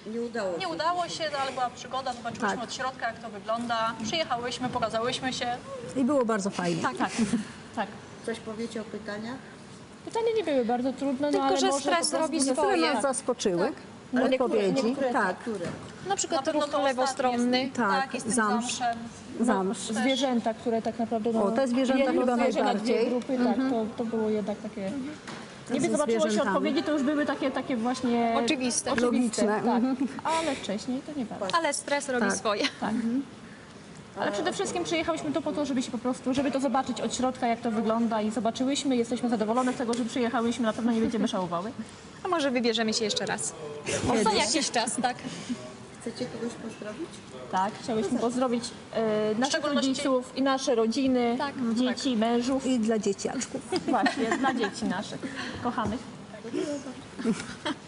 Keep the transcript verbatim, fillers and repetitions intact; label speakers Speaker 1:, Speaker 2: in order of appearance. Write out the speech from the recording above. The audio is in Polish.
Speaker 1: Nie udało się.
Speaker 2: Nie udało się, no, ale była przygoda, zobaczyłyśmy
Speaker 3: Tak.
Speaker 2: od środka, jak to wygląda. Przyjechałyśmy, pokazałyśmy się.
Speaker 3: I było bardzo fajnie.
Speaker 2: Tak, tak. tak.
Speaker 1: Coś powiecie o pytaniach?
Speaker 4: Pytania nie były bardzo trudne, no
Speaker 5: Tylko,
Speaker 4: ale
Speaker 5: że
Speaker 4: może
Speaker 5: stres
Speaker 4: po prostu
Speaker 5: robi
Speaker 3: Niektóre
Speaker 5: swoje.
Speaker 3: nas zaskoczyły.
Speaker 1: Ale
Speaker 3: Odpowiedzi.
Speaker 1: niektóre,
Speaker 3: Tak,
Speaker 1: które?
Speaker 5: Na przykład
Speaker 2: Na pewno
Speaker 5: ruch
Speaker 2: to
Speaker 5: lewostronny.
Speaker 2: ostatnie z-
Speaker 3: Tak,
Speaker 2: tak, i z tym
Speaker 3: zamsz.
Speaker 2: zamszem.
Speaker 3: zamsz.
Speaker 4: zwierzęta, które tak naprawdę... No,
Speaker 3: O, te zwierzęta
Speaker 4: jedno
Speaker 3: chyba
Speaker 4: zwierzę na
Speaker 3: najbardziej.
Speaker 4: dwie grupy, tak, to, to było jednak takie... Niby
Speaker 3: Ze
Speaker 4: zobaczyło się
Speaker 3: zwierzętami.
Speaker 4: odpowiedzi, to już były takie, takie właśnie...
Speaker 5: Oczywiste.
Speaker 4: oczywiste
Speaker 3: Logiczne.
Speaker 4: tak. Ale wcześniej to nie bardzo.
Speaker 5: Ale stres robi
Speaker 3: Tak.
Speaker 5: swoje.
Speaker 4: Tak. Ale przede wszystkim przyjechałyśmy tu po to, żeby się po prostu, żeby to zobaczyć od środka, jak to wygląda i zobaczyłyśmy, jesteśmy zadowolone z tego, że przyjechałyśmy, na pewno nie będziemy żałowały.
Speaker 5: A może wybierzemy się jeszcze raz. Co jakiś czas, tak?
Speaker 1: Chcecie kogoś pozdrowić?
Speaker 4: Tak, chciałyśmy pozdrowić e, naszych
Speaker 2: szczególności-
Speaker 4: rodziców i nasze rodziny,
Speaker 5: Tak,
Speaker 4: dzieci, mężów.
Speaker 3: I dla dzieciaczków.
Speaker 4: Właśnie, dla dzieci naszych, kochanych.